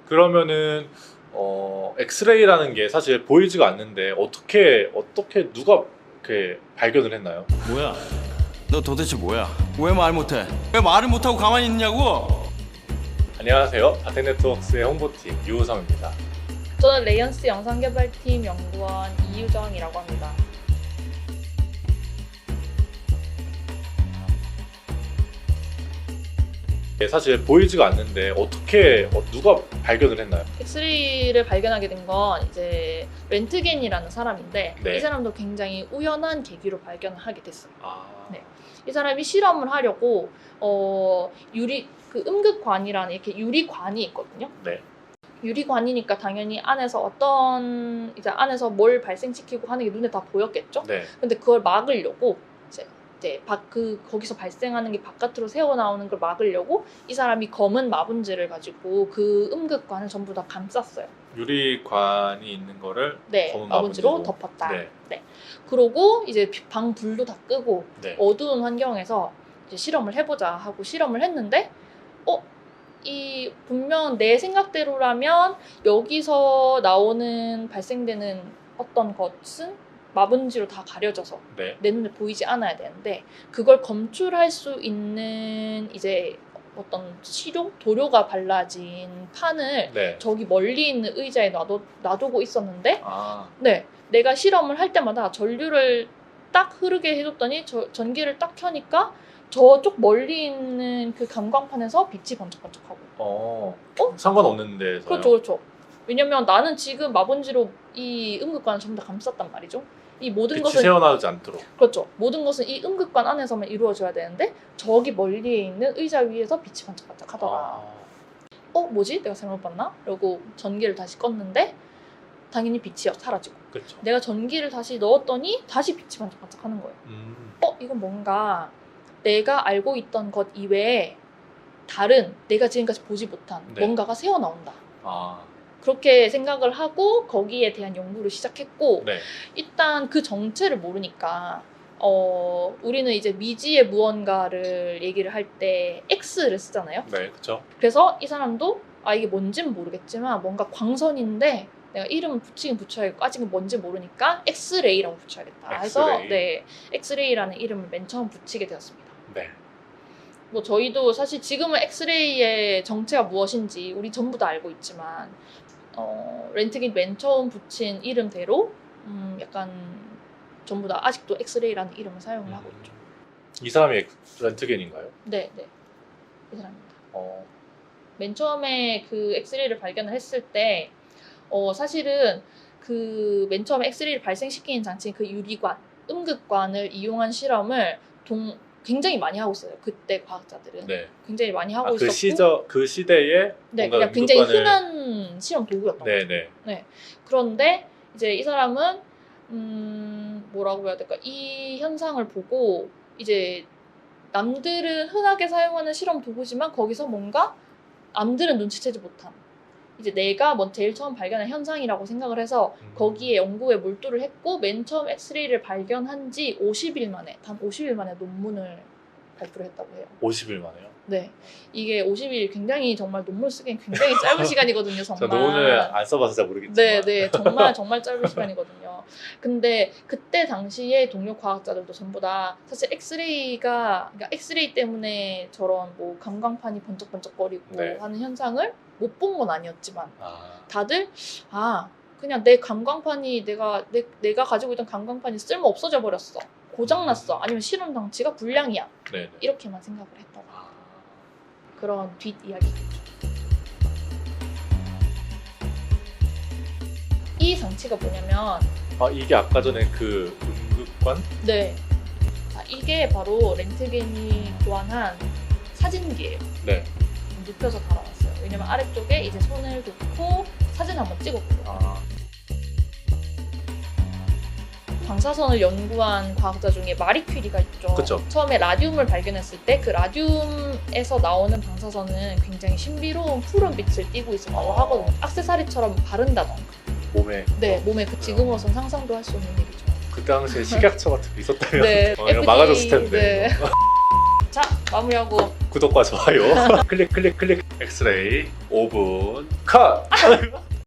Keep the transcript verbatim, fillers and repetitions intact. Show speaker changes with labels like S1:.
S1: 그러면은 어, 엑스레이라는 게 사실 보이지가 않는데 어떻게 어떻게 누가 이렇게 발견을 했나요?
S2: 뭐야? 너 도대체 뭐야? 왜 말 못해? 왜 말을 못하고 가만히 있냐고?
S1: 안녕하세요. 아텍네트웍스의 홍보팀 유우성입니다.
S3: 저는 레이언스 영상개발팀 연구원 이유정이라고 합니다.
S1: 사실 보이지가 않는데 어떻게 어, 누가 발견을 했나요?
S3: 엑스레이를 발견하게 된 건 이제 렌트겐이라는 사람인데
S1: 네.
S3: 이 사람도 굉장히 우연한 계기로 발견을 하게 됐어요.
S1: 아,
S3: 네. 이 사람이 실험을 하려고 어, 유리 그 음극관이라는 이렇게 유리관이 있거든요.
S1: 네.
S3: 유리관이니까 당연히 안에서 어떤 이제 안에서 뭘 발생시키고 하는 게 눈에 다 보였겠죠.
S1: 네.
S3: 근데 그걸 막으려고 이제 이제 밖 그 거기서 발생하는 게 바깥으로 새어 나오는 걸 막으려고 이 사람이 검은 마분지를 가지고 그 음극관을 전부 다 감쌌어요.
S1: 유리관이 있는 거를
S3: 네,
S1: 검은
S3: 마분지로
S1: 마분지로.
S3: 덮었다.
S1: 네.
S3: 네. 그러고 이제 방 불도 다 끄고
S1: 네.
S3: 어두운 환경에서 이제 실험을 해보자 하고 실험을 했는데, 어? 이 분명 내 생각대로라면 여기서 나오는 발생되는 어떤 것은 마분지로 다 가려져서
S1: 네.
S3: 내 눈에 보이지 않아야 되는데 그걸 검출할 수 있는 이제 어떤 시료? 도료가 발라진 판을
S1: 네.
S3: 저기 멀리 있는 의자에 놔두, 놔두고 있었는데
S1: 아,
S3: 네, 내가 실험을 할 때마다 전류를 딱 흐르게 해줬더니 저, 전기를 딱 켜니까 저쪽 멀리 있는 그 감광판에서 빛이 번쩍번쩍하고.
S1: 어,
S3: 어?
S1: 상관없는 데서요?
S3: 그렇죠, 그렇죠. 왜냐면 나는 지금 마분지로 이 음극관을 전부 다 감쌌단 말이죠. 이 모든
S1: 빛이
S3: 것은
S1: 새어나오지 않도록.
S3: 그렇죠. 모든 것은 이 음극관 안에서만 이루어져야 되는데 저기 멀리에 있는 의자 위에서 빛이 번쩍번쩍하더라.
S1: 아,
S3: 어, 뭐지? 내가 잘못 봤나? 그러고 전기를 다시 껐는데 당연히 빛이 사라지고.
S1: 그렇죠.
S3: 내가 전기를 다시 넣었더니 다시 빛이 반짝반짝하는 거예요.
S1: 음,
S3: 어? 이건 뭔가 내가 알고 있던 것 이외에 다른 내가 지금까지 보지 못한
S1: 네.
S3: 뭔가가 새어나온다.
S1: 아,
S3: 그렇게 생각을 하고 거기에 대한 연구를 시작했고,
S1: 네.
S3: 일단 그 정체를 모르니까 어, 우리는 이제 미지의 무언가를 얘기를 할 때 X를 쓰잖아요.
S1: 네, 그렇죠.
S3: 그래서 이 사람도 아 이게 뭔지는 모르겠지만 뭔가 광선인데 내가 이름을 붙이긴 붙여야겠고 아직은 뭔지 모르니까 엑스레이라고 붙여야겠다 해서
S1: 엑스레이.
S3: 네, 엑스레이라는 이름을 맨 처음 붙이게 되었습니다.
S1: 네.
S3: 뭐 저희도 사실 지금은 엑스레이의 정체가 무엇인지 우리 전부 다 알고 있지만 어, 렌트겐 맨 처음 붙인 이름대로 음, 약간 전부 다 아직도 엑스레이라는 이름을 사용을 하고 있죠.
S1: 이 사람이 엑- 렌트겐인가요?
S3: 네, 네. 이 사람입니다.
S1: 어,
S3: 맨 처음에 그 엑스레이를 발견을 했을 때 어, 사실은 그 맨 처음에 엑스레이를 발생시키는 장치인 그 유리관, 음극관을 이용한 실험을 동, 굉장히 많이 하고 있어요. 그때 과학자들은
S1: 네.
S3: 굉장히 많이 하고
S1: 아,
S3: 있었고
S1: 그 시저 그 시대에
S3: 네,
S1: 뭔가
S3: 그냥 굉장히
S1: 음극관을-
S3: 흔한 실험 도구였던 거죠.
S1: 네, 네.
S3: 그런데 이제 이 사람은 음, 뭐라고 해야 될까? 이 현상을 보고 이제 남들은 흔하게 사용하는 실험 도구지만 거기서 뭔가 남들은 눈치채지 못한 이제 내가 뭐 제일 처음 발견한 현상이라고 생각을 해서
S1: 음.
S3: 거기에 연구에 몰두를 했고 맨 처음 엑스레이를 발견한 지 오십 일 만에 단 오십 일 만에 논문을 발표를 했다고 해요.
S1: 오십 일 만에요.
S3: 네, 이게 오십 일 굉장히 정말 논문 쓰기엔 굉장히 짧은 시간이거든요.
S1: 저
S3: 정말.
S1: 논문을 안 써봐서 잘 모르겠지만.
S3: 네, 네, 정말 정말 짧은 시간이거든요. 근데 그때 당시에 동료 과학자들도 전부 다 사실 엑스레이가 그러니까 엑스레이 때문에 저런 뭐 감광판이 번쩍번쩍거리고
S1: 네.
S3: 하는 현상을 못 본 건 아니었지만
S1: 아,
S3: 다들 아 그냥 내 감광판이 내가 내, 내가 가지고 있던 감광판이 쓸모 없어져 버렸어. 고장났어. 아니면 실험 장치가 불량이야.
S1: 네, 네.
S3: 이렇게만 생각을 했다고.
S1: 아,
S3: 그런 뒷 이야기겠죠. 이 장치가 뭐냐면
S1: 아, 이게 아까 전에 그 음극관?
S3: 네. 자, 이게 바로 렌트겐이 교환한 사진기예요.
S1: 네.
S3: 눕혀서 달아놨어요. 왜냐면 아래쪽에 이제 손을 놓고 사진 한번 찍었거든요.
S1: 아,
S3: 방사선을 연구한 과학자 중에 마리 퀴리가 있죠.
S1: 그쵸.
S3: 처음에 라듐을 발견했을 때 그 라듐에서 나오는 방사선은 굉장히 신비로운 푸른 빛을 띠고 있었다고
S1: 아.
S3: 하거든요. 액세서리처럼 바른다던가.
S1: 몸에.
S3: 네, 몸에 그 지금으로선 상상도 할 수 없는 일이죠.
S1: 그 당시에 식약처 같은 게 있었다면
S3: 네,
S1: 어, 이거
S3: 에프디에이,
S1: 막아줬을 텐데.
S3: 네. 자, 마무리하고.
S1: 구독과 좋아요 클릭 클릭 클릭 엑스레이 오 분 컷!